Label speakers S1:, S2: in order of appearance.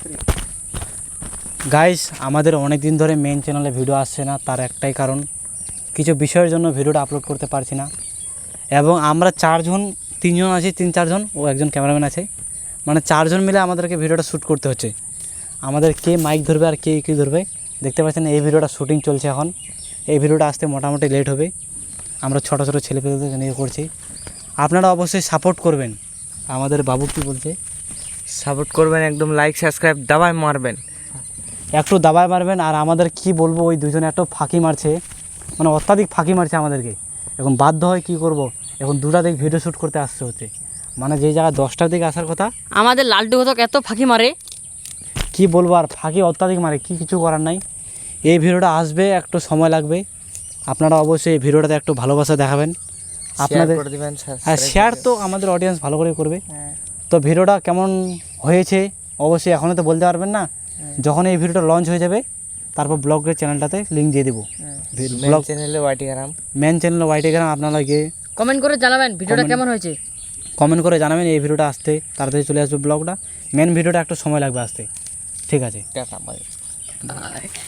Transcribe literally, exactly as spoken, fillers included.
S1: Guys আমাদের অনেক দিন ধরে মেন চ্যানেলে ভিডিও আসছে না, তার একটাই কারণ কিছু বিষয়ের জন্য ভিডিওটা আপলোড করতে পারছি না। এবং আমরা চারজন তিনজন আছি, তিন চারজন ও একজন ক্যামেরাম্যান আছে, মানে চারজন মিলে আমাদেরকে ভিডিওটা শ্যুট করতে হচ্ছে। আমাদের কে মাইক ধরবে আর কে কী ধরবে দেখতে পাচ্ছেন। এই ভিডিওটা শ্যুটিং চলছে এখন, এই ভিডিওটা আসতে মোটামুটি লেট হবে। আমরা ছোটো ছোটো ছেলেপেলেদের নিয়ে করছি, আপনারা অবশ্যই সাপোর্ট করবেন। আমাদের বাবু কী বলছে,
S2: সাপোর্ট করবেন, একদম লাইক সাবস্ক্রাইব দাবায় মারবেন,
S1: একটু দাবায় মারবেন। আর আমাদের কি বলবো, ওই দুজনে একটু ফাঁকি মারছে, মানে অত্যাধিক ফাঁকি মারছে আমাদেরকে। এখন বাধ্য হয় কি করব, এখন দুটা দিক ভিডিও শ্যুট করতে আসতে হচ্ছে, মানে যেই জায়গায় দশটার দিকে আসার কথা।
S3: আমাদের লালটু ঘটক এত ফাঁকি মারে,
S1: কি বলবো, আর ফাঁকি অত্যাধিক মারে, কি কিছু করার নাই। এই ভিডিওটা আসবে, একটু সময় লাগবে। আপনারা অবশ্যই এই ভিডিওটাতে একটু ভালোবাসা দেখাবেন আপনাদের,
S2: করে দিবেন।
S1: আর শেয়ার তো আমাদের অডিয়েন্স ভালো করে করবে। তো ভিডিওটা কেমন হয়েছে অবশ্যই এখনও তো বলতে পারবেন না, যখন এই ভিডিওটা লঞ্চ হয়ে যাবে তারপর ব্লগের চ্যানেলটাতে লিঙ্ক দিয়ে দেবো। ব্লগ
S2: চ্যানেলে ওয়াইটি গ্রাম,
S1: মেন চ্যানেল ওয়াইটি গ্রাম, আপনারা গিয়ে
S3: কমেন্ট করে জানাবেন ভিডিওটা
S1: Comment-
S3: কেমন হয়েছে।
S1: কমেন্ট করে জানাবেন। এই ভিডিওটা আসতে তাড়াতাড়ি চলে আসবে ব্লগটা, মেন ভিডিওটা একটু সময় লাগবে আসতে। ঠিক আছে।
S2: Tata by.